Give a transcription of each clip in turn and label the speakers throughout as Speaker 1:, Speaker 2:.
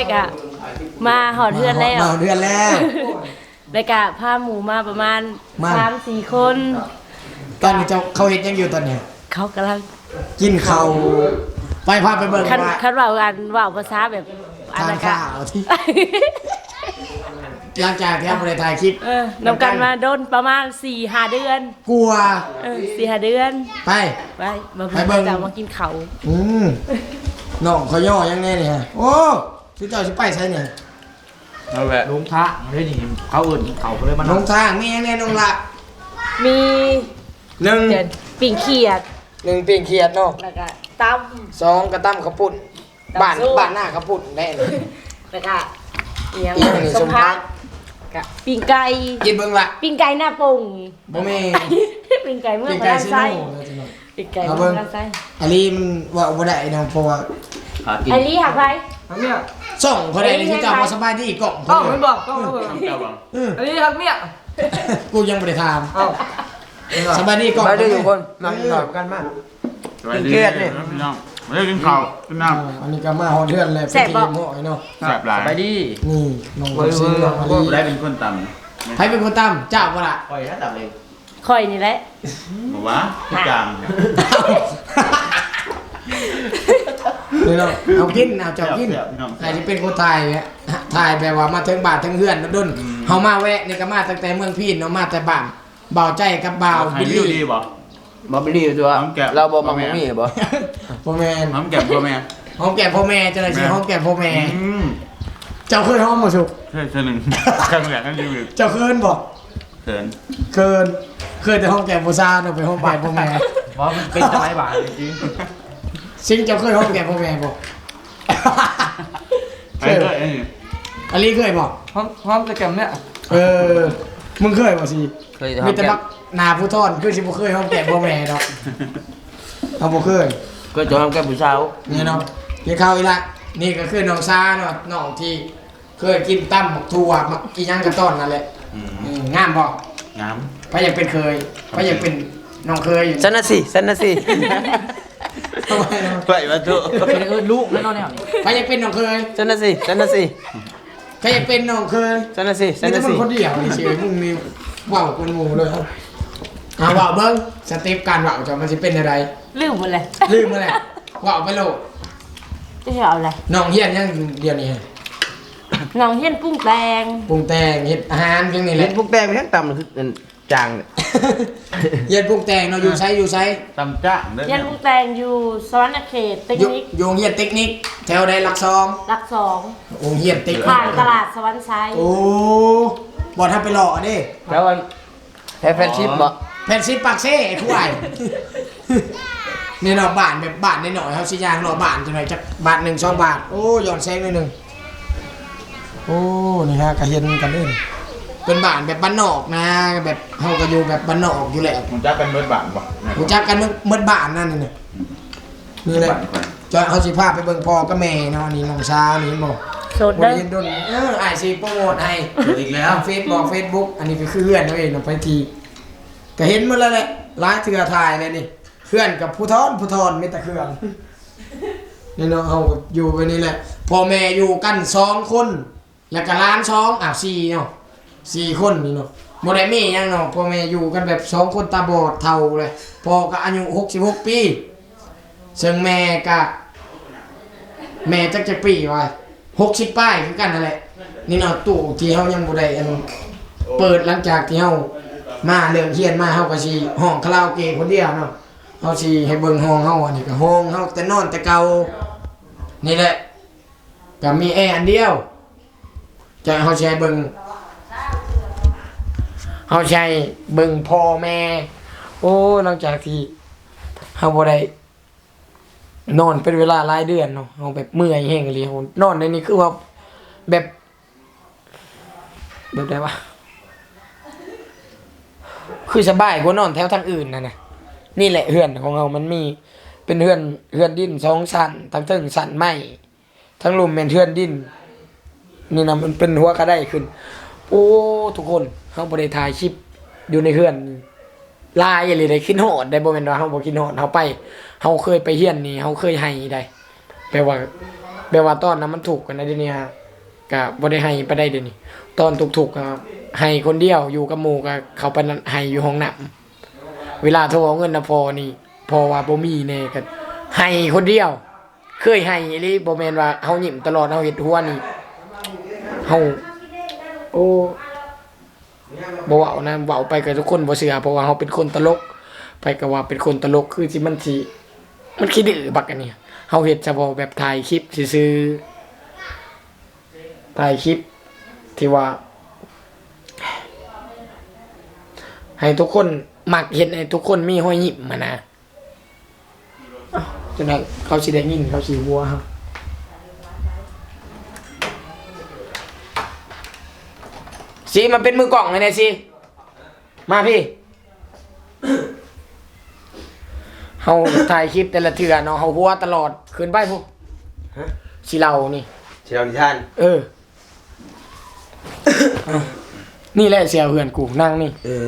Speaker 1: กะมาหอดเทือนแล้ว
Speaker 2: มาเดือนแล้ว
Speaker 1: แล้วกะพาหมูมาประมาณ 3-4 คน
Speaker 2: ตอนนี้เจ้าเขาเฮ็ดยังอยู่ตอนเนี้ย
Speaker 1: เขากำลัง
Speaker 2: กินข้าวไปพาไปเบิ่ง
Speaker 1: คัน
Speaker 2: ว่า
Speaker 1: คันเว่ากันเว่าภาษาแบบอัน
Speaker 2: ทาน
Speaker 1: นั้นกะ
Speaker 2: ข้าวที่หลังจากที่เราได้ถ่ายคลิป
Speaker 1: นำกันมาโดนประมาณ 4-5 เดือน
Speaker 2: กลัว
Speaker 1: 4-5 เดือน
Speaker 2: ไป
Speaker 1: ไปมา
Speaker 2: ไปเบิ่
Speaker 1: เพิ่
Speaker 2: ง
Speaker 1: งจะมากินเขาว
Speaker 2: น้องเขาย่อยังแน่นี่ฮะโอ้สิเจ้าสิไปใช่เนี่ย
Speaker 3: เอาแหละ
Speaker 4: ลุงพระเฮ้ยนี่เขาอื่นเขาเลยมัน
Speaker 2: น้องทางมียังแน่น้องละ
Speaker 1: มี
Speaker 2: หนึ่ง
Speaker 1: เดือนปิ่งเขียด
Speaker 2: หนึ่งเปียงเขียดเนาะ
Speaker 1: แล้วก็ตั้ม
Speaker 2: สองกระตั้มข้าวปุ้น
Speaker 1: ตำ
Speaker 2: บ้าน
Speaker 1: ส้ม
Speaker 2: บ้านหน้าข้าวปุ้นแน่เลย
Speaker 1: แล้วก็เอียง
Speaker 2: เอียงนี่
Speaker 1: ส
Speaker 2: ส
Speaker 1: ม
Speaker 2: มพั
Speaker 1: พั
Speaker 2: ก
Speaker 1: กกับปิ่งไก่
Speaker 2: กินเบิ่งละ
Speaker 1: ปิ่งไก่หน้าปุ่ง
Speaker 2: บ่แม่
Speaker 1: ปิ่งไก่เมื่อ
Speaker 2: เปียง
Speaker 1: มา
Speaker 2: ไก่
Speaker 1: ด้าน
Speaker 2: ซิ
Speaker 1: ไส้
Speaker 2: โน่เลยจังหวะ
Speaker 1: ปิ่งไก่
Speaker 2: เอา
Speaker 1: เมื่
Speaker 2: เบิ่
Speaker 1: อง ด้านไส้
Speaker 2: อันนี้มันว่าบ่ได้เนาะเพราะว่า
Speaker 4: หากิน
Speaker 1: ไอรีหักไป
Speaker 4: ทั้งเมีย
Speaker 2: ส่องเขาได้นี่ที่เจ้าบ่สบายดีกล่อง
Speaker 4: เอ้า
Speaker 2: เพิ่
Speaker 4: ไม่
Speaker 2: น
Speaker 4: บอกก็ไม่บอก
Speaker 3: เจ้าบัง
Speaker 4: อันนี้ทั้งเมีย
Speaker 2: กูยังบ่ได้ถาม
Speaker 4: เอ้า
Speaker 2: สบายดีกล่อง
Speaker 4: ไปดูอยู่คนนั่งถามกันมาก
Speaker 3: สวัสดี
Speaker 4: เครียดนี่
Speaker 3: พี่น้องไม่ได้กินข้าวกินน้
Speaker 2: อันนี้ก็มาฮอดเดือนแล้วไปกินหม้อเนาะ
Speaker 3: ำแซ่บหลาย
Speaker 4: ไปดิ
Speaker 2: นี่น้อง
Speaker 4: เว้
Speaker 2: บ่
Speaker 4: ย
Speaker 2: ซื้อน้องมา
Speaker 3: ได้
Speaker 2: ลี
Speaker 3: เป็นคนต่
Speaker 2: ใครเป็นคนตำเจ้าบ่ล่ะ
Speaker 4: ปล่อยนะตับเลย
Speaker 1: คอยนี่แหละ
Speaker 3: ำบอกว่าพี่จาง
Speaker 2: นี่เนาะเอากินเอาเจ้ากินใครที่เป็นคนไทยเนี่ยถ่ายแบบว่ามาถึงบ้านถึงเฮือนดนเฮามาแวะนี่ก็มาตั้งแต่เมืองพีนเนาะมาแต่บ้านบ่าวใจกับบ่าวบิล
Speaker 3: รี
Speaker 2: ลี่
Speaker 3: วิวดีบ่
Speaker 4: บอบบี้ตัว
Speaker 3: น้ำแกะ
Speaker 4: เราบอกมังมีบ่
Speaker 2: พ่อแม่น
Speaker 3: น้ำแกะพ่อแม่
Speaker 2: หอมแก้มพ่อแม่จังได๋สิหอมแก้มพ่อแม่
Speaker 3: อืม
Speaker 2: เจ้าเคยหอมบ่สุก
Speaker 3: ใช่หนึ่งแค่แกะนั่นรีวิว
Speaker 2: เจ้าเคยบ่
Speaker 3: เขิน
Speaker 2: เคยแต่หอมแก้มผู้ชายเนาะไปหอมแก้มพ่อแม่
Speaker 4: เพราะมันเป็นสมัยบ่ายจริง
Speaker 2: ซิงเจ้าเคยหอมแก้มพ่อแม่บ่
Speaker 3: ไปด้วยไอ้นี่
Speaker 2: อันนี้เคยบ่
Speaker 4: พร้อมจะแกมเนี่ย
Speaker 2: มึงเคยบ่สิ
Speaker 4: เคย
Speaker 2: มีแต่บักหน้าผู้ทอนคือสิบ่เคยหอมแก้มพ่อแม่ดอกเอาบ่เคย
Speaker 4: ก็จะทำแกมผู้สาว
Speaker 2: นี่เนาะกินข้าวอีกละนี่ก็คือน้องซาเนาะน้องที่เคยกินตั้มหมกถั่วมักกินหยังกระต้อนนั่นแหละงามบ่
Speaker 3: งาม
Speaker 2: พะอยากเป็นเคยพะอยากเป็นน้องเคยอยู่
Speaker 4: สันนะสิสันนะสิ
Speaker 2: ทำไมเนาะ
Speaker 3: ไปมาทุ
Speaker 4: เป็นลูกแน่นอนเนี่ย
Speaker 2: พะอยากเป็นน้องเคย
Speaker 4: สันนะสิสันนะสิ
Speaker 2: พะอยากเป็นน้องเคย
Speaker 4: สันนะสิสัน
Speaker 2: นี่
Speaker 4: นะ
Speaker 2: ถ้ามึ
Speaker 4: สิ
Speaker 2: งคนเดียวนี่เฉยมึงนี่ว้าวคนหมู่เลยครับว้าวเบิ่งสเต็ปการว้าวจะมันสิเป็นอะไร
Speaker 1: ลืมหมดเลย
Speaker 2: ลืมมาแล้วว้าวไปโลด
Speaker 1: จะเอาอะไร
Speaker 2: น้องเฮียนยังเดียวนี้ฮะ
Speaker 1: น้องเฮียนปรุงแต่ง
Speaker 2: ปรุงแต่งเฮ็ดอาหารเพียงนี่แห
Speaker 4: เล่
Speaker 2: ละ
Speaker 4: นพวกแป้งไม่ทั้งต่ำคือจางเนี่ย
Speaker 2: เฮ็ดปรุงแต่งเนาะอยู่ไสอยู่ไส
Speaker 3: ตำจ้างได้
Speaker 1: เฮียนปรุงแต่งอยู่สวรรณเขตเทค
Speaker 2: อยู่
Speaker 1: นิค
Speaker 2: โรงเรียนเทคนิคแถวใดหลักซอง
Speaker 1: หลัก
Speaker 2: โรงเรียนเทค
Speaker 1: 2
Speaker 2: นิ
Speaker 1: ผ่า
Speaker 2: คน
Speaker 1: ตลาดสวรรค์ไซด์
Speaker 2: โอ้บ่ทำไปหล่อเด้
Speaker 4: แล้ววันแฟนชิปบ่
Speaker 2: แผ่นซิปปากเซ่ไอ้ผู้ใหญ่ นี่เนาะบ้านแบบบ้านน้อยๆเฮาสิย่างเนาะบ้านจังไดจักบาท1 2 บาทโอ้ย้อนแสงหน่อยหนึงโอ้นี่ฮะก็เห็นกันเด้เป็นบ้านแบบบ้านนอกนะแบบเฮาก็อยู่แบบบ้านนอกอยู่แล้ว
Speaker 3: ผมจะเป็นเบิร์ดบานบ่
Speaker 2: รู้จักกันหมดบ้านนั่นนี่น่ะนี่แหละจะเฮาสิพาไปเบิ่งพ่อกับแม่เนาะนี่น้องสาวนี่บ่
Speaker 1: โสด
Speaker 2: บ่
Speaker 1: เด้
Speaker 2: ได้
Speaker 1: อ
Speaker 2: เห็นดนอ้ายสิโปรโมทให้
Speaker 3: อีกแล้ว
Speaker 2: เฟซบอกเฟซบุ๊กอันนี้ก็คือเพื่อนเราเองเนาะไปทีก็เห็นหมาแล้วแหละร้านเถื่อถ่ายเลยนี่เพื่อนกับผู้ทอนไม่แต่เครื่องนี่เนาะเอากับอยู่ไปนี่แหละพ่อแม่อยู่กัน2 คนแล้วก็ร้าน4เนาะ4 คนนี่เนาะบ่ได้มีหยังเนาะพ่อแม่อยู่กันแบบ2 คนตาบอดเฒ่าเลยพ่อก็อายุ66 ปีซึ่งแม่ก็แม่จักปีว่า60ป้ายคือกันนั่นแหละนี่เนาะตู้ที่เฮายังบ่ได้อันเปิดหลังจากที่เฮามาเรื่องเฮียนมาเฮาก็สิห้องคาราโอเกะคนเดียวเนาะเฮาสิให้เบิ่งห้องเฮาอันนี้ก็ห้องเฮาแต่นอนแต่เก่านี่แหละก็มีแอร์อันเดียวจะเฮาสิให้เบิ่งเฮาสิให้เบิ่งพ่อแม่โอ้หลังจากที่เฮาบ่ได้นอนเป็นเวลาหลายเดือนเนาะเฮาแบบเมื่อยแฮงอีหลีเฮานอนในนี้คือว่าแบบใดวะคือสบายกว่านอนแถวทางอื่นนะนี่แหละเฮือนของเรามันมีเป็นเฮือนดิน2 ชั้นทั้งเทิงชั้นไม้ทั้งลุมเป็นเฮือนดินนี่นะมันเป็นหัวกระไดขึ้นโอ้ทุกคนเฮาบ่ได้ถ่ายคลิปอยู่ในเฮือนลายอะไรได้คิดฮอดได้บ่แม่นว่าเฮาบ่คิดฮอดเฮาไปเฮาเคยไปเฮียนนี่เฮาเคยให้ได้แปลว่าแบบว่าตอนนั้นมันถูกกันนะเดี๋ยวนี้ฮะก็บ่ได้ให้ไปได้เดี๋ยวนี้ตอนถูกๆก็ให้คนเดียวอยู่กับหมู่ก็เขาไปให้อยู่ห้องน้ำเวลาโทรเอาเงินนะพอนี่พอว่าบ่มีแน่ก็ให้คนเดียวเคยให้อีหลีบ่แม่นว่าเฮายิ้มตลอดเฮาเฮ็ดหัวนี่เฮาโอ้บ่เว้านะเว้าไปก็ทุกคนบ่เชื่อเพราะว่าเฮาเป็นคนตลกไปก็ว่าเป็นคนตลกคือสิมันขี้ดื้อบักอันนี้เฮาเฮ็ดเฉพาะแบบถ่ายคลิปซื่อๆถ่ายคลิปที่ว่าให้ทุกคนมักเห็นให้ทุกคนมีรอยยิ้มมานะจนเขาสิได้ยินเขาสิหัวเฮาสิมาเป็นมือกล่องเลยเนี่ยสิมาพี่ เฮาถ่ายคลิปแต่ละเทื่อเนาะเฮาหัวตลอดขึ้นไปพุสิเล่านี่
Speaker 4: เชียวนิทาน
Speaker 2: นี่แหละเสียเพื่อนกูนั่งนี่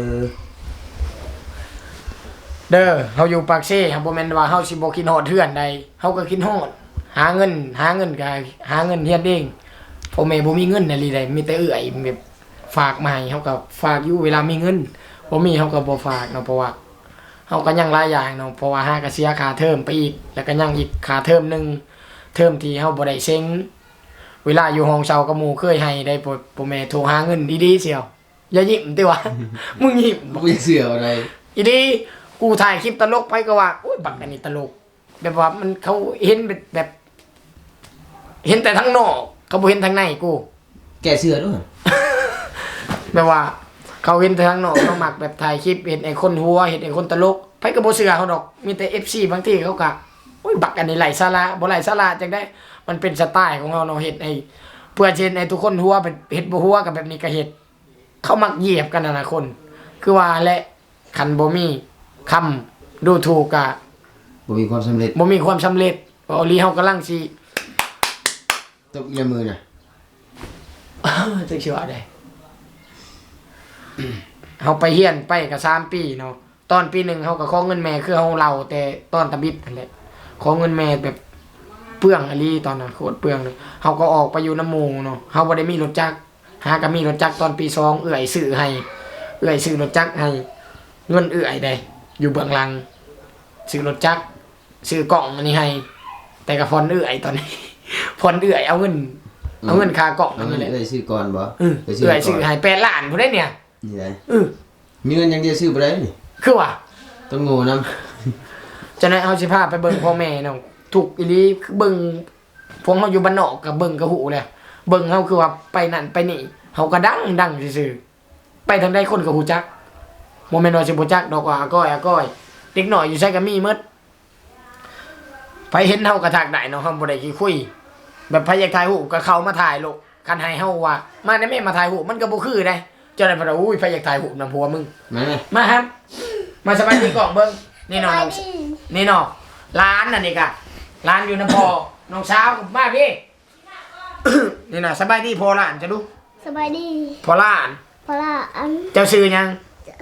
Speaker 2: เด้อเฮาอยู่ปากเซ่เฮาบ่แม่นว่าเฮาสิบ่คิดฮอดเทื่อนใดเฮาก็คิดฮอดหาเงินก็หาเงินเฮียนเองพ่อแม่บ่มีเงินน่ะลีใดมีแต่เอื้อยแบบฝากมาให้เฮาก็ฝากอยู่เวลามีเงินบ่มีเฮาก็บ่ฝากเนาะเพราะว่าเฮาก็ยังหลายอย่างเนาะเพราะว่าหาก็เสียค่าเทอมไปอีกแล้วก็ยังอีกค่าเทอมนึงเทอมที่เฮาบ่ได้เซ็งเวลาอยู่ห้องเช่ากับหมู่เคยให้ได้พ่อแม่โทรหาเงินดีๆเสียวอย่ายิ้มติวะ มึงยิ้ม
Speaker 4: บ่เสืออะไร
Speaker 2: อีดีกูถ่ายคลิปตลกไปก็ว่าโอ้ยบักอันนี้ตลกแบบว่ามันเขาเห็นแบบ เห็นแต่ทั้งนอกเขาบ่เห็นทางในกู
Speaker 4: แกเสือด้วย
Speaker 2: แบบว่า เขาเห็นแต่ทางนอกเขามักแบบถ่ายคลิปเห็นไอ้คนหัวเห็นไอ้คนตลกไผก็บ่เชื่อเขาดอกมีแต่ FC บางทีเขาก็โอ้ยบักอันนี้ไร้สาระบ่ไร้สาระจังได้มันเป็นสไตล์ของเราเนาะเฮ็ดไอ้เพื่อเช่นไอ้ทุกคนหัวเป็นเฮ็ดบ่หัวกับแบบนี้ก็เฮ็ดเขามักเหยียบกันน่ะนะคน คือว่าและคันบ่มีคำดูถูกกะ
Speaker 4: บ่มีความสำเร็จ
Speaker 2: บ่มีความสำเร็จออลีเฮากำลังสิ
Speaker 4: ตบเอียมือน่ะ
Speaker 2: จักสิว่าได้ เฮาไปเฮียนไปก็3ปีเนาะตอนปี1เฮาก็ขอเงินแม่คือเฮาเล่าแต่ตอนตะบิดนั่นแหละขอเงินแม่แบบเปลืองอลีตอนนั้นโคตรเปลืองเลยเฮาก็ออกไปอยู่น้ำหมู่เนาะเฮาบ่ได้มีรถจักรหาก็มีรถจักรตอนปี2เอื้อยซื้อให้เอื้อยซื้อรถจักรให้เงินเอื้อยได้อยู่เบื้องหลังซื้อรถจักรซื้อกล่องอันนี้ให้แต่ก็ผ่อนเอื้อยตอนนี้ ผ่อนเอื้อยเอาเงินค่ากล่องอันนี้แหละ
Speaker 4: ได้ซื้อก่อนบ่
Speaker 2: เอื้อยซื้อให้8ล้านพุ่นได้เนี่ย
Speaker 4: นี่ได้
Speaker 2: มี
Speaker 4: เงินอย่างเดียวซื้อบ่ได้นี่
Speaker 2: คือว่า
Speaker 4: ต้องโง่นํ
Speaker 2: จะนั้นเอาสิพาไปเบิ่งพ่อแม่เนาะถูกอีหลีคือเบิ่งพวกเฮาอยู่บ้านนอกก็เบิ่งก็หูแหละเบิ่งเฮาคือว่าไปนั่นไปนี่เฮาก็ดังซื่อๆไปทางใดคนก็ฮู้จักบ่แม่นว่าสิบ่จักดอกว่าอาก้อยเด็กน้อยอยู่ไสก็มีหมดไปเห็นเฮาก็ทักได้เนาะเฮาบ่ได้ขี้คุยแบบไผอยากถ่ายรูปก็เข้ามาถ่ายโลกคันให้เฮาว่ามาได้แม่มาถ่ายรูปมันก็บ่คือได้เจ้าได้บ่าอุ้ยไผอยากถ่ายรูปนำผัวมึง
Speaker 4: มาไหม
Speaker 2: มาครับ มาสบายดีกล่องเบิ้งนี่น้องนี่น้องร้านน่ะนี่กะร้านอยู่น้ำพอน้องสาวมาพี่ นี่น่ะสบายดีพอร้านจะดู
Speaker 5: สบายดี
Speaker 2: พอร้าน
Speaker 5: เพราะว่าอัน
Speaker 2: เจ้าซื้อยัง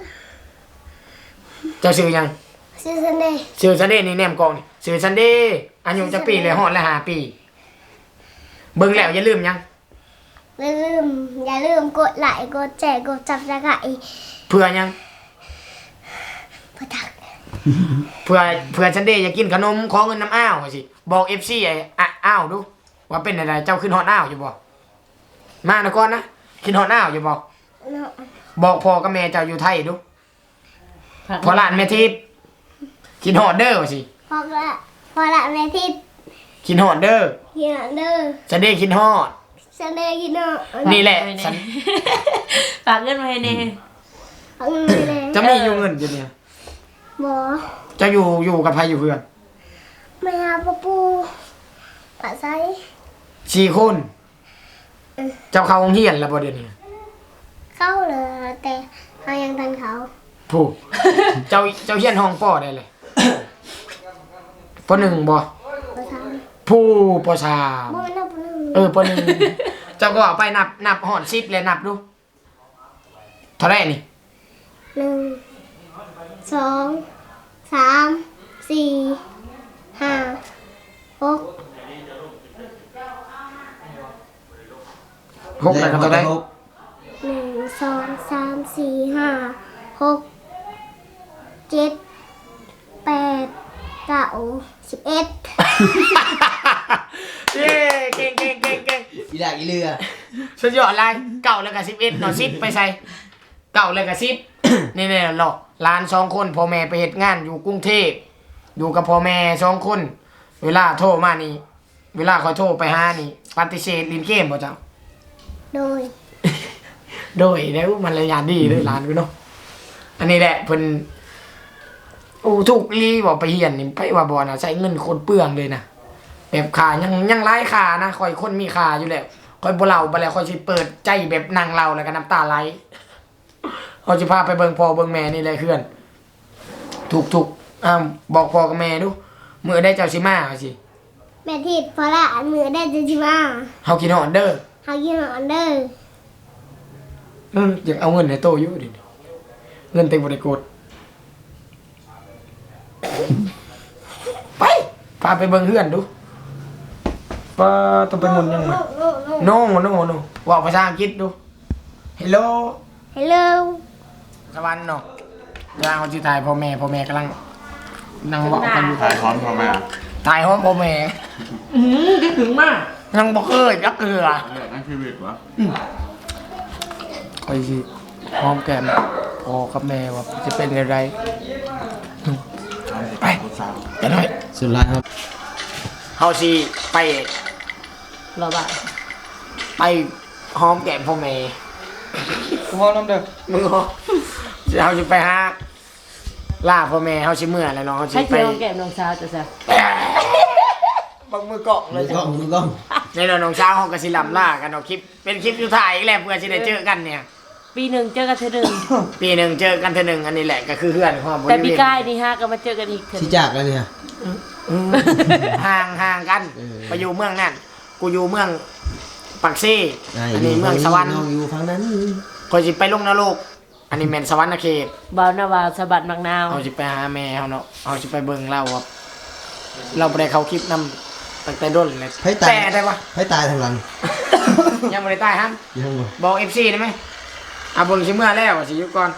Speaker 2: เจ้าซื้อยัง
Speaker 5: ซีซันเดย์
Speaker 2: ซื้อซันเดย์นี่แนมกล่องนี่ซื้อซันเดย์อายุจะปีเลยฮอดแล้ว5 ปีเบิ้งแล้วอย่าลืมยัง
Speaker 5: อย่าลืมกดไลค์กดแชร์กดจับตะไคร้
Speaker 2: เพื่อยัง
Speaker 5: ประทัก
Speaker 2: เพื่อซันเดย์อยากกินขนมขอเงินน้ำอ้าวว่าสิบอก FC ไอ้อ้าวดูว่าเป็นอะไรเจ้าขึ้นฮอดอ้าวอยู่บ่มานะก่อนนะขึ้นฮอดอ้าวอยู่บ่
Speaker 5: เนาะ
Speaker 2: บอกพ่อกับแม่เจ้าอยู่ไทยดูพอหลานแม่ทิพย์กินฮอดเด้อว่าสิ
Speaker 5: พอละแม่ทิพย์
Speaker 2: กินฮอดเด้อ
Speaker 5: เฮียเด้อ
Speaker 2: ซันเดย์กินฮอด
Speaker 5: ซันเดย์กินเนาะ
Speaker 2: นี่แหละฉัน
Speaker 1: ฝากเงินมาให้แน่
Speaker 5: เอาเงินไปเลย
Speaker 2: จะมีอยู่เงินอยู่เนี่ย
Speaker 5: หมอ
Speaker 2: จะอยู่กับใครอยู่เพื่อน
Speaker 5: ไม่หาปะปูปะไซ
Speaker 2: 4 คนเจ้าเข้าโรงเรียนแล้วบ่เดี๋ยวนี้
Speaker 5: เข้าเลยแต่เขายังทันเขา
Speaker 2: ผู้ เจ้าเรียนห้องปอได้เลยป .1 บ่
Speaker 5: ประทัง
Speaker 2: ผู้ป .3
Speaker 5: บ่แม่นเอาปะนึง
Speaker 2: ป .1 เจ้าก็เอาไปนับฮอด10เลยนับดูเท่าไหร่นี่
Speaker 5: 1 2 3 4 5 6
Speaker 2: หกแล้วก็ตัวใด
Speaker 4: หก
Speaker 5: 1 2 3 4 5 6 7 8 9 11
Speaker 2: เย้เก่ง
Speaker 4: อีหลากอีเรือ
Speaker 2: สุดยอดเลยเก่าแล้วก็11เนาะ10ไปใส่เก่าแล้วก็10นี่ๆหรอกหลาน2คนพ่อแม่ไปเฮ็ดงานอยู่กรุงเทพอยู่กับพ่อแม่2คนเวลาโทรมานี่เวลาเขาโทรไปหานี่ปฏิเสธลินเกมบ่เจ้า
Speaker 5: โดย
Speaker 2: โดยแล้วมันระยะดีเลยหลานกูเนาะอันนี้แหละเพิ่นโอ้ถูกลีบอกไปเฮียนนี่ไปว่าบ่น่ะใช้เงินคนเปลืองเลยนะแบบขายังหลายขานะคอยคนมีขาอยู่แล้วคอยบ่เล่าบ่แล้วคอยสิเปิดใจแบบนั่งเล่าแล้วก็น้ำตาไหลเขาสิพาไปเบิ่งพ่อเบิ่งแม่นี่แหละเพื่อนถูกบอกพ่อกับแม่ดูมื้อได้เจ้าสิมาว่าสิ
Speaker 5: แม่ทิดพอละมือได้จะจิมา
Speaker 2: เฮากินฮอดเด้อ
Speaker 5: เฮากินออนเดอร์
Speaker 2: อยากเอาเงินให้โตอยู่ดิเงินเต็มบ่ได้กดไปพาไปเบิ่งเฮือนดูป้าต้องไปหมุนยังไงโน่ว่าภาษาอังกฤษดู Hello
Speaker 5: ฮัลโหล
Speaker 2: สวรรค์เนาะกำลังเอาชื่อถ่ายพ่อแม่กำลังนั่งเว้ากันอยู่
Speaker 3: ถ่ายพร้อมพ่อแม่
Speaker 2: ถ่ายห้องพ่อแม่คิดถึงมากยังบ่เคยจักเกลือ
Speaker 3: เรื่องนั้นชีวิตวะ
Speaker 2: คอยสิหอมแก้มพ่อกับแม่ว่าจะเป็นอะไรไปกันหน่อย
Speaker 4: สุดท้ายครับ
Speaker 2: เฮาสิไป
Speaker 1: รอบ่า
Speaker 2: ไปหอมแก้มพ่อแม่
Speaker 1: กูพอน้ำเด้อ
Speaker 2: มึงเหรอเฮาสิไปหาล่าพ่อแม่เฮาสิเมื่อแล้วเนาะเฮาสิ
Speaker 1: ให้
Speaker 2: ไป
Speaker 1: เกี่ยวแก้มน้องสาวจ้ะซะ
Speaker 2: บังมือเกาะเล
Speaker 4: มื
Speaker 2: ย
Speaker 4: อกล้องมือกล้อง
Speaker 2: ในเรื่องน้องเช้าเฮาก็สิลำล่ากันเนาะคลิปเป็นคลิปสุดท้ายอีกแล้วเพื่อสิได้เจอกันเนี่ย
Speaker 1: ปีหนึ่งเจอกันเทื่อหนึ่ง
Speaker 2: ปีหนึงเจอกันเทื่อหนึงอันนี้แหละก็คือเพื่อนความบริ
Speaker 1: แต่
Speaker 2: เว
Speaker 1: ปี
Speaker 2: ณ
Speaker 1: กายนี่ฮะก็มาเจอกันอีกเทื่อห
Speaker 4: ที่
Speaker 1: นึ่ง
Speaker 4: จากแล้วเนี่ย
Speaker 2: ห่างกัน
Speaker 4: เออ
Speaker 2: ไปอยู่เมืองนั่นกูอยู่เมืองปักซี่อันนี้เมืองสวรรค์
Speaker 4: น้องอยู่ฝั่งนั้น
Speaker 2: คอยสิไปลงนรกอันนี้แม่นสวรรค์เขต
Speaker 1: บ่าวนาวาสะบัดมักนาว
Speaker 2: เอาสิไปหาแม่เฮาเนาะเอาสิไปเบิ่งเราว่าเราบ่ได้เข้าคลิปนำตั้งแต่ต้นเลย
Speaker 4: ให้ตาย
Speaker 2: แต่ได้ปะ
Speaker 4: ให้ตายทางหลัง
Speaker 2: ยังบ่ได้ตายฮั่น
Speaker 4: ยังบ่
Speaker 2: บอก FC ได้ไหมเบิ่งสิเมื่อแล้วว่าสิอยู่ก่อน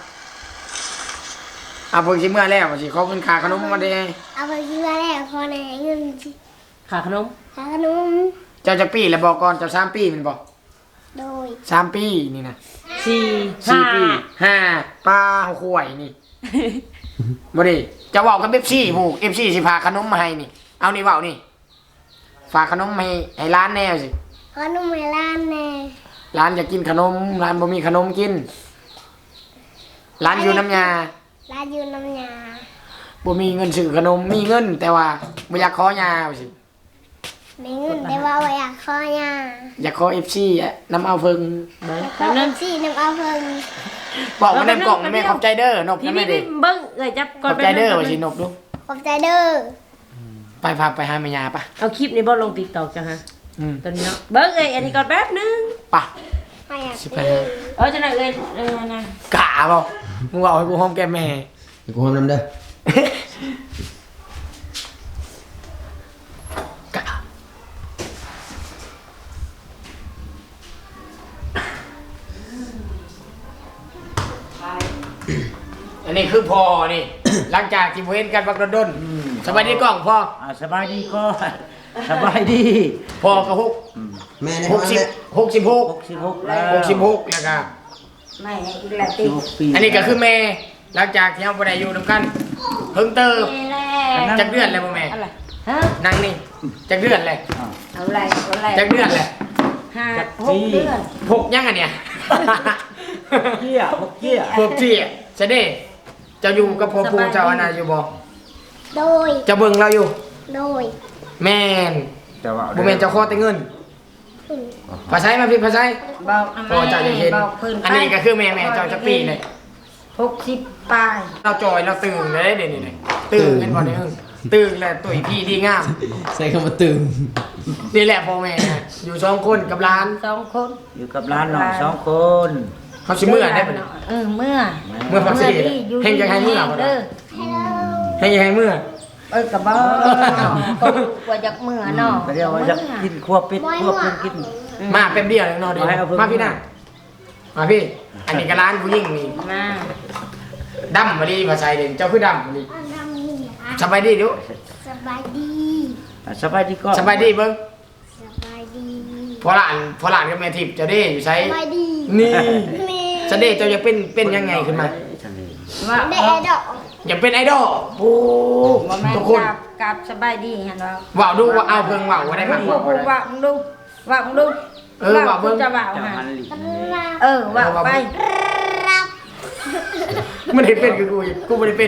Speaker 2: เบิ่งสิเมื่อแล้วว่าสิขอเงินค่าขนมมาได้
Speaker 5: เอาไปกินมาแล้วพอในเงิน
Speaker 1: ขาขนม
Speaker 5: หาขนม
Speaker 2: เจ้าจะปีแล้วบอกก่อนเจ้า3 ปีแมันบ่
Speaker 5: โดย
Speaker 2: 3 ปีนี่นะ
Speaker 1: 4
Speaker 2: 4 ปี5ปลาหัวข่วยนี่ บ่ดิจะเว้ากับ FC ผู้ FC สิพาขนมมาให้นี่เอานี่เว้านี่ฝากขนมให้ร้านแน่สิ
Speaker 5: ขนมให้ร้านแน่
Speaker 2: ร้านอยากกินขนมร้านบ่มีขนมกินร้านอยู่น้ำยา
Speaker 5: ร้านอยู่น้ำยา
Speaker 2: บ่มีเงินซื้อขนมมีเงิน แต่ว่าบ่อยากขอยาว่าสิ
Speaker 5: มีเงินแต่ว่าบ่อยากขอยา
Speaker 2: อยากขอ FC อะน้ำเอาเพิ่ง
Speaker 1: เบิ่ง
Speaker 5: ข
Speaker 1: แป๊
Speaker 5: อบ
Speaker 1: นึง
Speaker 5: ซี่น้ำเอาเพิ่ง
Speaker 2: บอกมาในกล่องแม่ขอบใจเด้อนบ
Speaker 1: พี่
Speaker 2: นะแม่
Speaker 1: พี่
Speaker 2: เด้
Speaker 1: เบิ่งเอ้ยจับ
Speaker 2: ข
Speaker 1: ก่อน
Speaker 2: อบใจเด้อว่าสินบดู
Speaker 5: ขอบใจเด้อ
Speaker 2: ไปพาไปหาแม่ยาปะ
Speaker 1: เอาคลิปนี้บ่ลง TikTok จ้ะฮะ ตอนนี้เนาะเบิ่งเอ้ยอันนี้ก่อนแป๊บนึง
Speaker 2: ปะ
Speaker 5: ไม่อยาก
Speaker 2: สิไป
Speaker 5: กิน
Speaker 2: หา
Speaker 1: จังได๋เอ้ยนะ
Speaker 2: กะบ่มึงบอกให้กูหอมแก้มแม่
Speaker 4: เดี๋ยวกูหอมน้ำเด้อก
Speaker 2: ะอันนี้คือพ่อนี่ หลังจากที่บ่เห็นกันบักดนๆสบายดีกล้องพ่อ
Speaker 6: สบายดีก็ สบายดี
Speaker 2: พ่อก็ฮุก
Speaker 4: แม่ใน
Speaker 2: ห
Speaker 4: ห้
Speaker 2: ก
Speaker 4: อง
Speaker 2: สิบ
Speaker 4: เนี่ย
Speaker 2: 66
Speaker 6: 66แล้ว
Speaker 2: 66แล้วก็
Speaker 1: ไม่อีกแล้วติ
Speaker 6: 16ปี
Speaker 2: อันนี้ก็คือแม่หลังจากที่เราบ่ได้อยู่นำกันเพิ่งเติม
Speaker 1: แล้ว
Speaker 2: จักเดือนแล้วบ่แม่
Speaker 1: อะไรฮะ
Speaker 2: นั่งนี่จักเดือนเลย
Speaker 1: เอาอะไร
Speaker 2: จักเดือนเลย
Speaker 1: 5-6 เดือน
Speaker 2: พกยังอันเนี่ย
Speaker 6: เกี้ยพวกเกี้ย
Speaker 2: พวกที่เสด็จเจ้าอยู่กับพ่อปู่เจ้าอนาอยู่บ่
Speaker 5: โดย
Speaker 2: เจ้าเบิ่งเราอยู่
Speaker 5: โดย
Speaker 2: แม่น
Speaker 3: แต่ว่า
Speaker 2: บ่แม่นเจ้าขอแต่เงิน
Speaker 5: อืม
Speaker 2: ภาษามาพี่ภาษา
Speaker 1: เบา
Speaker 2: พอเจ้าจะเห็น อันนี้ก็คือแม่เจ้าจะปีเลย
Speaker 1: 60ปลาย
Speaker 2: เราจอยเราตื่นเลยเดี๋ยวนี้ตื่นกันบ่ได้ตื่นแล้วตุ๋ยพี่ดีงาม
Speaker 4: ใส่คำว่าตึง
Speaker 2: นี่แหละพ่อแม่อยู่2คนกับหลาน
Speaker 1: 2 คน
Speaker 6: อยู่กับร้านน้อง2 คน
Speaker 2: เขาสิเมื่อได้ปะเนี่ย
Speaker 1: เมื่อ
Speaker 2: เมื่อพักสิเฮงจะให้เมื่อบ่
Speaker 1: เด้อ
Speaker 2: ให้ยังให้เมื่อ
Speaker 1: กะบ่ก็ว่าจากเมื่อเนาะ
Speaker 6: ก็เรียกว่าจะกินครัวเป็ดครัวเพิ่นกิน
Speaker 2: มาแป๊บเดียวแล้วนอนเดียวมาพี่น่ะมาพี่ อันนี้ก็ร้านผู้หญิงนี่
Speaker 1: มา
Speaker 2: ดำมาดีภาษาเด่นเจ้าคือดำมาดี
Speaker 5: อันนั้นนี่อ่ะ
Speaker 2: สบายดีดู
Speaker 5: สบายดี
Speaker 6: สบายดีก็
Speaker 2: สบายดีเบิ้ง
Speaker 5: สบายดี
Speaker 2: พอหลานกับแม่ทิพย์เจ้าเด้อยู่ใช้
Speaker 5: สบายดี
Speaker 2: นี่
Speaker 5: นี่
Speaker 2: เจ้าเด้เจ้าจะเป็นยังไงขึ้นมา
Speaker 1: ว่า
Speaker 5: ได้ไอดอล
Speaker 2: อย่าเป็นไอดอลโอ้
Speaker 1: บ่แม่น
Speaker 2: ทุกคน
Speaker 1: กับสบายดีเห็นบ่
Speaker 2: ว่าวดูว่าเอาเพิ่งว่าวว่าได้มั้ง
Speaker 1: ว่ามึงดูว่ามึงดู
Speaker 2: ว่าเบิ่ง
Speaker 1: จะว่า
Speaker 6: จะ
Speaker 1: หา
Speaker 6: มันหลี
Speaker 1: ว่าไป
Speaker 5: รับ
Speaker 2: มันได้เป็นคือกูไม่ได้เป็น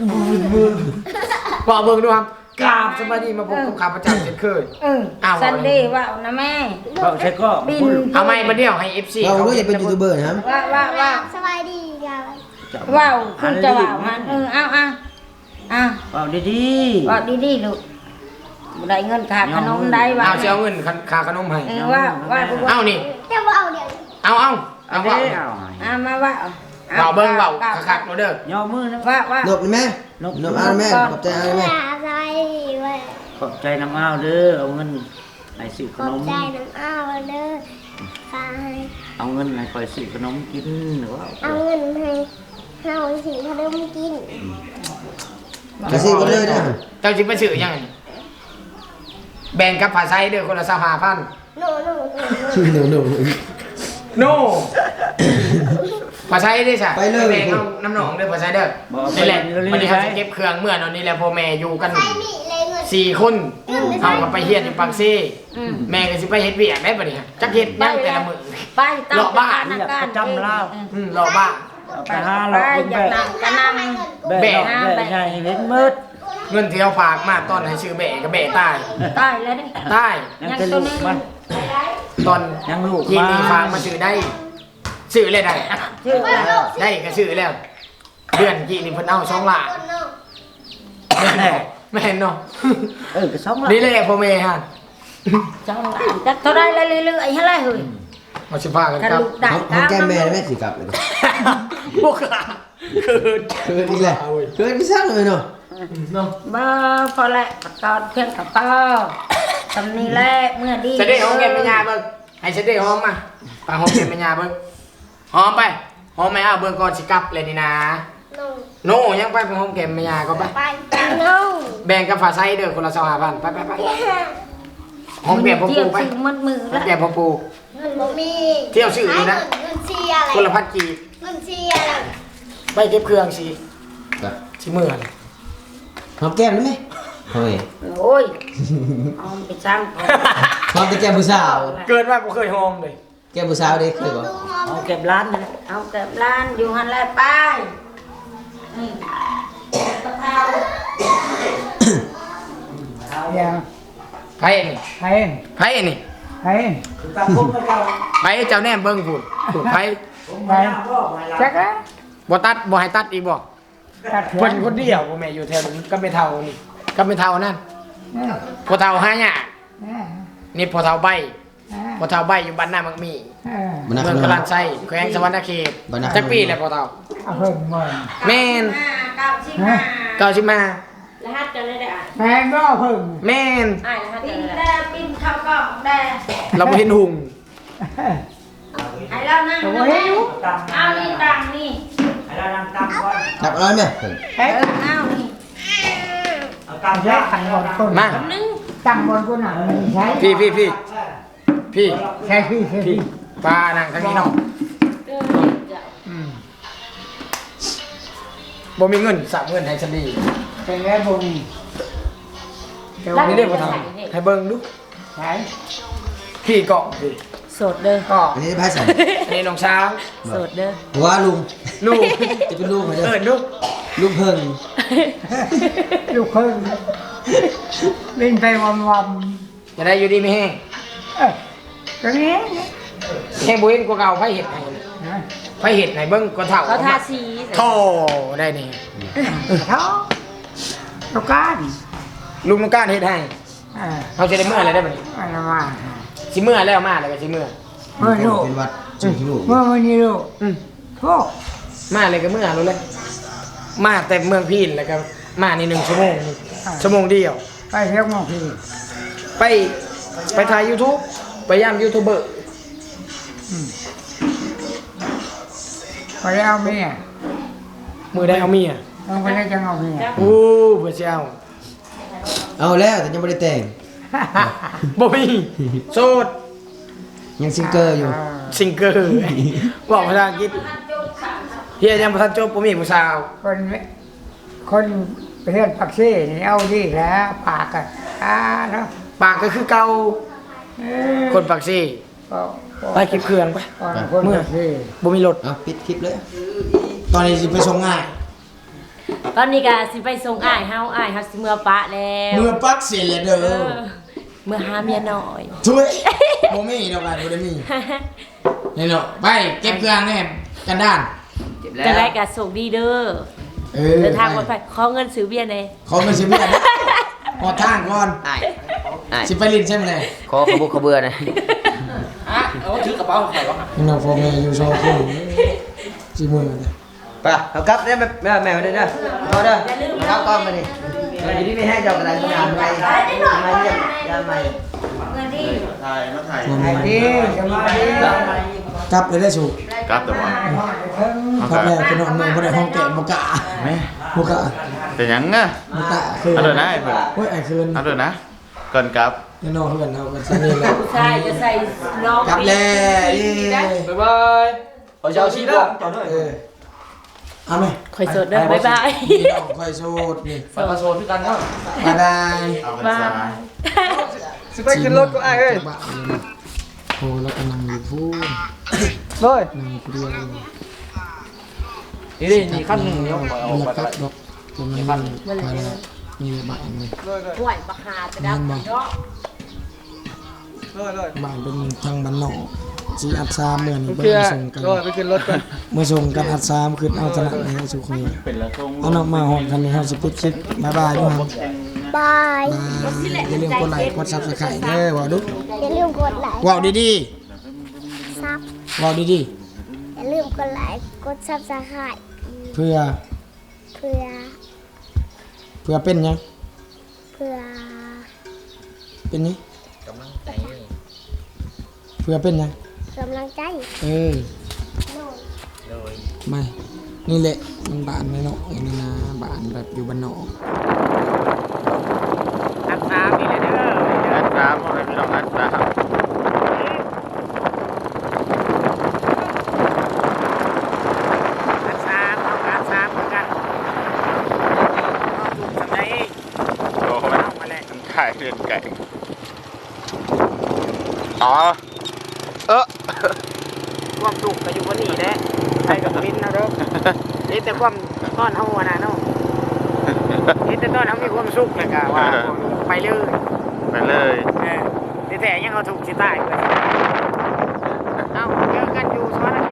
Speaker 2: ว่าวเบิ่งดูครับกราบสบายดีมาพบกับข้าพเจ้าเช่นเคย อ้าว
Speaker 1: ซันเดย์ว่านะแม่
Speaker 6: ก็ใช่ก็
Speaker 1: บิน
Speaker 2: เอาไม้มาเดี่ยวให้ FC
Speaker 4: เรารู้อย่าเป็นยูทูบเบอร์นะครับ
Speaker 1: ว่า
Speaker 5: สบายดีครับ
Speaker 1: ว้าวคุณจะว่ามันเอา
Speaker 6: ว่าดี
Speaker 1: ว่าดีๆลูกได้เงินค่าขนมได้ว่า
Speaker 2: เอาสิเอาเงินค่าขนมให้
Speaker 1: ว่า
Speaker 2: เอานี่
Speaker 5: จะว่าเอาเดี๋ยว
Speaker 2: เอา
Speaker 6: เอา
Speaker 2: ว่า
Speaker 1: มาว่า
Speaker 2: ว่าวเบิ่งว่าวคักๆเด้อ
Speaker 6: ย่อมือนะ
Speaker 1: ว่า
Speaker 4: นบเลยแม่นบเอาแม่ขอบใจเอาแม่
Speaker 5: สบายดีเว้ย
Speaker 6: ขอบใจน้ำอ้าวเด้อเอาเงินไหนซื้อข
Speaker 5: ขอน บ
Speaker 6: ม
Speaker 5: ใจน้ำอ้าวเด้อค่ะ
Speaker 6: เอาเงินไหนคอยซื้อขนมกินหรือว่า
Speaker 5: เอาเงินให้เฮาสิขนมกิน
Speaker 4: จะซื้อกันเลยนะ
Speaker 2: เจ้าสิไปซื้อยังไงแบ่งกับภาษาเด้อคนละ25,000
Speaker 5: โน่โน่โน่
Speaker 4: หนู
Speaker 2: โน่ภาษาได้ใช่
Speaker 4: ไปเลย
Speaker 2: แบ่งเอาน้ำหนองเด้อภาษาเด้อนี่แหละวันนี้เขาจะเก็บเครื่องเมื่อนอนนี่แหละพ่อแม่อยู่กัน
Speaker 5: ใช่นี่เลยเงิน
Speaker 2: 4 คนเอากับไปเฮียนอยู่ปากซีแม่ก็สิไปเฮ็ดเวียกได้ปะเนี่ยจักเฮ็ดยังแต่ละมื้อ
Speaker 1: ไปตาม
Speaker 2: เลาะบ้าน
Speaker 1: จำเล่าร
Speaker 2: อบ้าน
Speaker 6: ไปหาเรา
Speaker 1: ไป
Speaker 6: คุณ
Speaker 1: อย่า
Speaker 6: แบะ
Speaker 1: นั่งก็นั่ง
Speaker 6: แบะแบะใหญ่เห็นมืด
Speaker 2: เงินที่เขาฝากมาตอนให้ชื่อแบะก็แบะตาย
Speaker 1: ตายแล้วนี่
Speaker 2: ตาย
Speaker 6: ยังจะลูกมัน
Speaker 2: ตอน
Speaker 6: ยังลูก
Speaker 2: ยิงนี่ฝากมาชื่อได้ชื่อเลยได้
Speaker 1: ชื่ออะไร
Speaker 2: ได้ก็ชื่อแล้ว เดือนกี่นี่เพิ่นเอา2ล้าน
Speaker 5: คนโน่
Speaker 2: ไม่เห็นเนาะ
Speaker 6: ก็สองละ
Speaker 2: นี่แหละพ่อแม่ฮะ
Speaker 1: จังหวะจักเท่าไรเรื่อยๆให้ไรเฮ้ย
Speaker 2: เอาสิพากัน
Speaker 1: กระ
Speaker 2: ครับ
Speaker 1: ดูกได้
Speaker 4: เขาแก้แม่แม่สิกลับเลย
Speaker 2: พวกขาคือ
Speaker 4: เกินอีกแล้วเกินไม่สร้างเลยเนาะ
Speaker 2: เนาะ
Speaker 1: บ่พอแหละตอนเพียงกับต่อตำนี้แหละเมื่อดี
Speaker 2: จะได้หอมแก้มแม่ยาเบิ่งให้จะได้หอมมาไปหอมแก้มแม่ยาเบิ่งหอมไปหอมแม่เอาเบิ่งก่อนสิกลับเลยนี่นะ
Speaker 5: โน่
Speaker 2: โน่ยังไปหอมแก้มแม่ยาก็ไป
Speaker 5: ไปโน่
Speaker 2: แบ่งกับฝาไซเด้อคนละ25,000ไปหอมแก้มพ่อ
Speaker 1: เที่ย
Speaker 2: ปู
Speaker 1: ว
Speaker 2: ไป
Speaker 1: สิมืดมือ
Speaker 2: หอม
Speaker 1: แล้ว
Speaker 2: แก้มพ่อปู
Speaker 5: เงินบ่มี
Speaker 2: เที่ยวชื่อนี่นะ
Speaker 5: เงินเชียร์อะไร
Speaker 2: คนละพัดกีบ
Speaker 5: เงินเชียร์อะไร
Speaker 2: ไปเก็บเครื่องสิสิมื้อน่ะ
Speaker 4: หอมแก้มได้ไหมเฮ้ย
Speaker 1: โอ้ยเอาไปสร้างของ
Speaker 4: หอมแต่แก้มผู้สาว
Speaker 2: เกิดมาบ่เคยหอมเลย
Speaker 4: แก้มผู้สาวเด็กเคยบอก
Speaker 5: ดูหอม
Speaker 6: เอาเก็บร้านนะ
Speaker 1: เอาเก็บร้านอยู่หันแลไปนี่ตะเภา
Speaker 6: ยัง
Speaker 2: ไผนี่
Speaker 6: ใคร
Speaker 2: ไผนี่
Speaker 6: ใครตามผมไปเจ้า
Speaker 2: ไผเจ้าแน่เบิ่งพุ่นพุ่นไผ
Speaker 6: ไปจักแล้ว
Speaker 2: บ่ตัดบ่ให้ตัดอีกบ่
Speaker 6: ตัด
Speaker 2: เพิ่นคนเดียวบ่แม่อยู่แถวนี้ก็ไม่เท่านี่ก็ไม่เท่านั่นพอเท่าหายากนี่พอเท่าใบพอเท่าใบอยู่บ้านนามักมี
Speaker 4: บรรณา
Speaker 2: เมื
Speaker 4: ค
Speaker 2: อง
Speaker 4: ณ
Speaker 2: กลันไส้แขวงสวรรณเขต
Speaker 4: บรรณา
Speaker 2: จักปีแล้วพอเท่า
Speaker 6: เอาเพิ่มมา
Speaker 2: แม่น
Speaker 1: 95
Speaker 2: 90มาร
Speaker 1: หัสจะได้ได้อ่าน
Speaker 6: แพงก็เพิ่ม
Speaker 2: แม่น
Speaker 1: อ่านรหัสจะได้ปิ้นข้าวกล่องได้
Speaker 2: เราบ่เห็นหุง
Speaker 1: ให้เรานั่งเอานี่ตังนี่
Speaker 6: ให้เรานั่งตามก่อน
Speaker 4: จับอะไรไหม
Speaker 1: เอานี่
Speaker 6: เอาตามแยกขันก่อนคน
Speaker 2: มา
Speaker 1: นึง
Speaker 6: ตั้งบนกูหนังใช้
Speaker 2: พี่
Speaker 6: ใช่พี่ใช่พี่
Speaker 2: ปลานั่งทางนี้เนาะบ่มีเงินสามเงินให้ฉันดี
Speaker 6: เป็นไงบุญ
Speaker 2: นี่ได้พอเท่าให้เบิ่งดู
Speaker 6: ใช้
Speaker 2: พี่เกาะพี่
Speaker 1: สดเด้อ
Speaker 2: ก็
Speaker 4: อันนี้ไพ่ใส่
Speaker 2: อันนี้น้องช้าง
Speaker 1: สดเด้อ
Speaker 4: หัวลุง
Speaker 2: ลูก
Speaker 4: จะเป็นลูกเหรอเด้อ
Speaker 2: ลูก
Speaker 4: ลูกเพิ่ง
Speaker 6: ลูกเพิ่งวิ่งไปวัน
Speaker 2: จะได้อยู่ดีไม่แห้ง
Speaker 6: ตรงนี้
Speaker 2: แห้งบ่เห็นกว่าเก่าไผเห็ดให้ไผเห็ดให้เบิ่งกว่าเท่า
Speaker 1: เขาทาสี
Speaker 2: โธ่ได้นี่
Speaker 6: ท้อลูกการ
Speaker 2: ลุงต้องการเฮ็ดให้เขาสิได้เมื่ออะไรได้บัดนี้
Speaker 6: อะไรมา
Speaker 2: สิเมื่อแล้วมาแล้วก็สิเมื่อ
Speaker 6: เมื่อลูก
Speaker 4: เป็นวัดจุกลูก
Speaker 6: เมื่อวันนี้ลูกโทษ
Speaker 2: มาเลยก็เมื่อรู้เลยมาแต่เมืองพีนแล้วก็มานี่1ชั่วโมงชั่วโมงเดียว
Speaker 6: ไปเที่ยวมองพี่
Speaker 2: ไปถ่าย YouTube ไปย่ามยูทูบเบอร์
Speaker 6: พอแล้วเมีย
Speaker 2: มือได้เอาเมีย
Speaker 6: ต้องไปได้จังเอาเมีย
Speaker 2: โอ้เบื่อเจ้า
Speaker 4: เอาแล้วแต่ยังไม่ได้แต่ง
Speaker 2: บ่มีโสด
Speaker 4: ยังซิงเกอร์อยู่
Speaker 2: ซิงเกอร์บอกภาษาอังกฤษเฮียยังบ่ทันจบบ่มีผู้สาว
Speaker 6: คนไปเฮือนปักซี่นี่เอาดีแล้วปากกันเนาะ
Speaker 2: ปากก็คือเก่าคนปากซี่ไปเก็บเครื่องไป
Speaker 6: คนปักซี่
Speaker 2: บ่มีรถ
Speaker 4: เอาปิดคลิปเลย
Speaker 2: ตอนนี้สิไปส่งง่าย
Speaker 1: ตอนนี้ก็สิไปส่งอ้ายเฮาสิเมื่อปะแล้ว
Speaker 2: เมื่อปักเสียแล้วเด้อ
Speaker 1: เมื่อหาเมียน้อย
Speaker 2: ช่วยบ่มีดอกกันบ่ได้มีนี่เนาะไปเก็บเครื่องแน่กันด้าน
Speaker 1: จะได้ก็ส่งดีเด้อ เดินทางปลอดภัยขอเงินซื้อเบียร์หน่อย
Speaker 2: เขาไม่ใช่เบี้ยพอทางก่อน
Speaker 4: อ้ายอ้าย
Speaker 2: สิไปลินใช่ไหมเลย
Speaker 4: ขอขบุกขบเบือหนะ
Speaker 2: เอาถือกระเป๋าใครวะนี่เนาะพ่อแม่อยู่โชว์คนสิมือเลย
Speaker 4: ไปเอากลับเนี่ยแม่มาเด้อนะพอเด้อเอากลับก่อนมาดิมาอยู่นี่ไม่ให้เจ้ากระดานงานไปมาเยี่ยมยามใหม่
Speaker 1: เงินดี
Speaker 3: ถ่ายมาถ่าย
Speaker 6: ไอ้ดีจะมาดี
Speaker 2: กลับเลยได้สูก
Speaker 3: กลับแต่ว่า
Speaker 2: กลับแล้วคือน้องเมืองบ่ได้ห้องแกะบ่กะ
Speaker 3: แม่
Speaker 2: บ่กะ
Speaker 3: เป็นหยังอ่ะ
Speaker 2: บ่กะคือ
Speaker 3: เอาเถอะนะไอ้เพื่อน
Speaker 2: โอ้ยไอ้คืน
Speaker 3: เอาเลยนะก่อนกลับ
Speaker 2: นี่น้องเพื่อนเฮากันซะนี่แหละ
Speaker 1: ผู้ชายจะใส่น้อง
Speaker 2: กลับแล้วบ๊ายบายขอเช้าชีพเอาไหม
Speaker 1: คอยสดเด้อบ๊ายบาย
Speaker 2: นี่น้องคอยโสดนี่
Speaker 4: ไปมาโซนด้วยกันเนาะ
Speaker 2: บ๊ายบาย
Speaker 3: เอาพรรษา
Speaker 6: สิไปขึ้นรถก็ไอ้เอ้ย
Speaker 2: โอ้แล้วก็นั่งอยู่พูน
Speaker 6: เลย
Speaker 2: นั่งอยู่เดียว
Speaker 4: นี่ขั้นหนึ่งเนาะ
Speaker 2: เอาไปก็ดอกตรงนั้นมีบ้านเลย
Speaker 1: ห่วยบักหาจะดับเนาะ
Speaker 2: บ้านเป็นทางบ้านนอกสีอัดซามเหมือนเบิ่
Speaker 6: เพื่อง
Speaker 2: ส่งกัน
Speaker 6: ไปขึ้นรถก่อน
Speaker 2: เมื่อส่งกันอัดซามขึ้นเอาตลาดในสุขี
Speaker 3: เป็นละทง
Speaker 2: เอานอกมาหอมกันนี่เฮาสิปิดคลิปบ๊ายบายด้วยครับ
Speaker 5: บาย
Speaker 2: อย่าลืมกดไลค์กด Subscribe เด้อว่าดู
Speaker 5: อย่าลืมกดไลค์
Speaker 2: ว้าวดี
Speaker 5: ซับ
Speaker 2: ๆว้าวดี
Speaker 5: อย่าลืมกดไลค์กดซับสไครต์
Speaker 2: ๆเพื่อ
Speaker 5: เพื่อ
Speaker 2: เป็นหยัง
Speaker 5: เพื่อ
Speaker 2: เป็นหยังเพื่อเป็นหยัง
Speaker 5: กำลังใจ
Speaker 2: เออไม่นี่แหละมันบ้านไม่เนาะไอ้นี่นะบ้านแบบอยู่บ้านนอก
Speaker 3: อัดน้ำอะไรพี่น้องอัดน้ำ โอ้โหมันถ่ายเรือนไก่ อ๋อ
Speaker 2: ความสุขก็อยู่บนนี้แหละใครกับมินนะเด้อนี่แต่ความต้อนเฮาน่ะเนาะนี่แต่ต้อนเฮามีความสุขเลยกะว่าไปเลย
Speaker 3: ไปเลย
Speaker 2: แต่ยังเอาถูกสิตายเพิ่น